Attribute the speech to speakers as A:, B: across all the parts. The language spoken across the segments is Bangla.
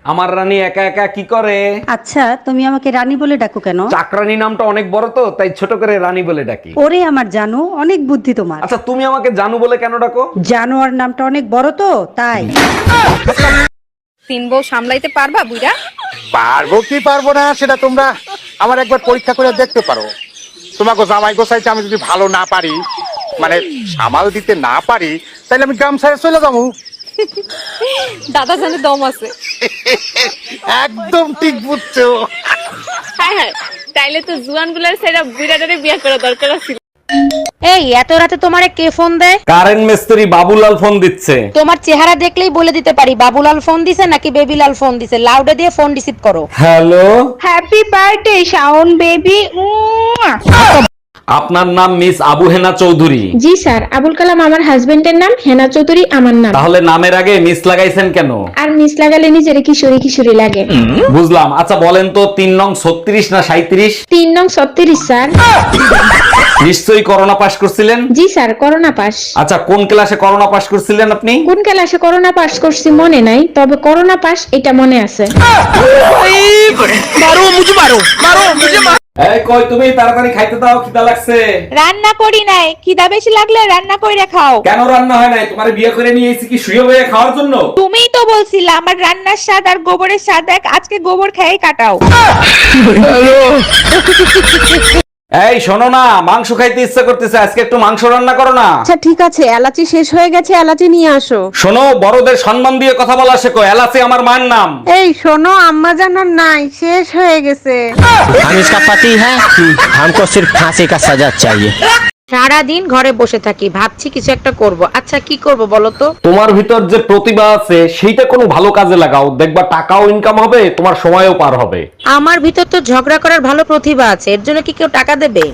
A: আমার রানী একা একা কি করে?
B: আচ্ছা, তুমি আমাকে রানী বলে ডাকো কেন?
A: চাকরানী নামটা অনেক বড় তো, তাই ছোট করে রানী বলে ডাকি।
B: ওরে আমার জানো, অনেক বুদ্ধি তোমার।
A: আচ্ছা, তুমি আমাকে জানু বলে কেন ডাকো?
B: জানোয়ার নামটা অনেক বড় তো, তাই।
C: তিন বউ সামলাইতে পারবা বুইড়া?
D: পারবো কি পারবো না সেটা তোমরা আমার একবার পরীক্ষা করে দেখতে পারো। তোমাকে জামাই গোসাইতে আমি যদি ভালো না পারি, মানে সামাল দিতে না পারি, তাহলে আমি গ্রাম ছেড়ে চলে যাবো।
C: দাদা জানে দম আছে।
D: একদম ঠিক বুঝছো।
C: হ্যাঁ হ্যাঁ, তাইলে তো জুয়ান গুলার সেরা বুইড়াটারে বিয়ে করা দরকার আছে।
E: এই এত রাতে তোমারে কে ফোন দেয়?
A: কারেন্ট মিস্ত্রি বাবুলাল ফোন দিচ্ছে।
E: তোমার চেহারা দেখলেই বলে দিতে পারি বাবুলাল ফোন দিছে নাকি বেবিলাল ফোন দিছে। লাউডে দিয়ে ফোন রিসিভ করো।
A: Hello,
F: happy birthday Shaon baby.
A: আপনার নাম মিস আবু হেনা চৌধুরী?
F: জি স্যার, আবুল কালাম আমার হাজবেন্ডের নাম, হেনা চৌধুরী আমার নাম।
A: তাহলে নামের আগে মিস লাগাইছেন কেন?
F: আর মিস লাগালে নিজের কিশোরী কিশোরী লাগে।
A: বুঝলাম। আচ্ছা বলেন তো, 3 নং 36 না 37?
F: 3 নং 36 স্যার।
A: নিশ্চয়ই করোনা পাস করছিলেন?
F: জি স্যার, করোনা পাস।
A: আচ্ছা, কোন ক্লাসে করোনা পাস করছিলেন আপনি?
F: কোন ক্লাসে করোনা পাস করছি মনে নাই, তবে করোনা পাস এটা মনে আছে।
A: এই কই তুমি, তাড়াতাড়ি খাইতে দাও, খিদা লাগছে।
C: রান্না করি নাই, খিদা বেশি লাগলে রান্না কইরা খাও।
A: কেন রান্না হয় নাই? তোমার বিয়ে করে নিয়ে এসেছি কি শুয়ে বয়ে খাওয়ার জন্য?
C: তুমিই তো বলছিলে আমার রান্নার স্বাদ আর গোবরের স্বাদ এক, আজকে গোবর খেয়ে কাটাও।
A: এই শোনো না, মাংস খাইতে ইচ্ছা করতেছে, আজকে একটু মাংস রান্না করো না।
G: আচ্ছা ঠিক আছে, এলাচি শেষ হয়ে গেছে, এলাচি নিয়ে আসো।
A: শোনো, বড়দের সম্মান দিয়ে কথা বলা শেখো। এলাচি আমার মায়ের নাম।
G: এই শোনো, আম্মা জানার নাই, শেষ হয়ে গেছে।
H: हम इसका पति है, हमको सिर्फ फांसी का सजा चाहिए।
E: সারাদিন ঘরে বসে থাকি, ভাবছি কিছু একটা করব। আচ্ছা কি করব বলো তো?
A: তোমার ভিতর যে প্রতিভা আছে সেইটা কোনো ভালো কাজে লাগাও, দেখবা টাকাও ইনকাম হবে, তোমার সময়ও পার হবে।
E: আমার ভিতর তো ঝগড়া করার ভালো প্রতিভা আছে, এর জন্য কি কেউ টাকা দেবে?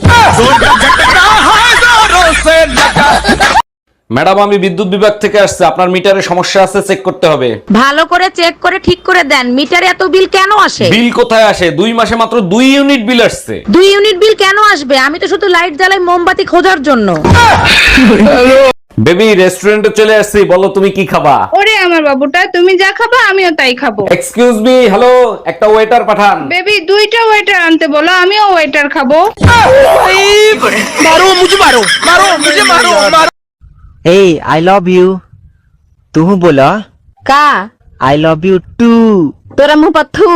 A: ম্যাডাম, আমি বিদ্যুৎ বিভাগ থেকে আসছে, আপনার মিটারে সমস্যা আছে, চেক করতে হবে।
E: ভালো করে চেক করে ঠিক করে দেন। মিটারে এত বিল কেন আসে?
A: বিল কোথায় আসে? 2 মাসে মাত্র 2 ইউনিট বিল আসছে।
E: 2 ইউনিট বিল কেন আসবে? আমি তো শুধু লাইট জ্বালাই মোমবাতি খোঁজার জন্য।
A: বেবি, রেস্টুরেন্টে চলে আসছি, বলো তুমি কি খাবা?
F: ওরে আমার বাবুটা, তুমি যা খাবা আমিও তাই খাবো।
A: এক্সকিউজ মি, হ্যালো, একটা ওয়েটার পাঠান।
F: বেবি, 2টা ওয়েটার আনতে বলো, আমিও ওয়েটার খাবো।
H: ए आई लव यू, तू बोला
E: কা
H: आई लव यू टू।
E: তোরা মুখ পাথু।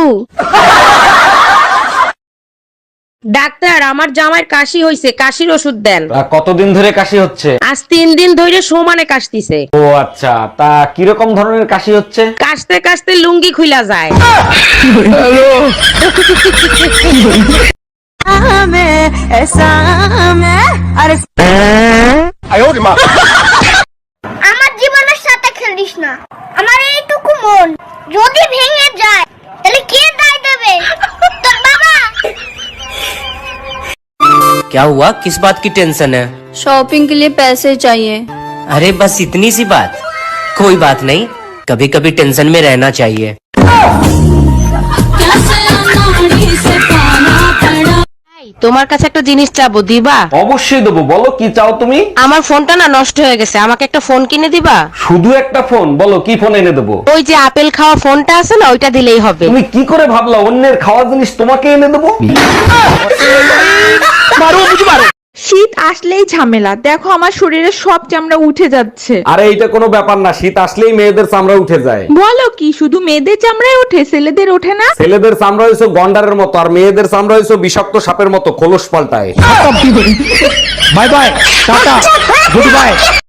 E: ডাক্তার, আমার জামাইয়ের কাশি হইছে, কাশির ওষুধ দেন।
A: কতদিন ধরে কাশি হচ্ছে?
E: আজ 3 দিন ধরে সমানে কাশতিছে।
A: ও আচ্ছা, তা কিরকম ধরনের কাশি হচ্ছে?
E: কাশতে কাশতে লুঙ্গি খুইলা যায়।
I: আমার জীবনের সাথে খেলিস না। আমার এইটুকু মন যদি ভেঙে যায় তাহলে কে দায় দেবে? তোর বাবা।
H: क्या हुआ, किस बात की टेंशन है?
C: शॉपिंग के लिए पैसे चाहिए।
H: अरे बस इतनी सी बात, कोई बात नहीं, कभी कभी टेंशन में रहना चाहिए।
E: তোমার কাছে একটা জিনিস চাবো, দিবা?
A: অবশ্যই দেবো, বলো কি চাও তুমি?
E: আমার ফোনটা না নষ্ট হয়ে গেছে, আমাকে একটা ফোন কিনে দিবা?
A: শুধু একটা ফোন? বলো কি ফোন এনে দেবো?
E: ওই যে আপেল খাওয়া ফোনটা আছে না, ওইটা দিলেই হবে।
A: তুমি কি করে ভাবলা অন্যের খাওয়া জিনিস তোমাকে এনে দেবো?
G: শীত আসলেই ঝামেলা, দেখো আমার শরীরে সব চামড়া উঠে যাচ্ছে।
A: আরে এইটা কোনো ব্যাপার না, শীত আসলেই মেয়েদের চামড়া উঠে যায়।
G: বলো কি, শুধু মেয়েদের চামড়ায় ওঠে, ছেলেদের ওঠে না?
A: ছেলেদের চামড়া হয়েছে গন্ডারের মতো, আর মেয়েদের চামড়া হয়েছে বিষাক্ত সাপের মতো, খোলস পাল্টায়।
D: Bye bye, tata, good by.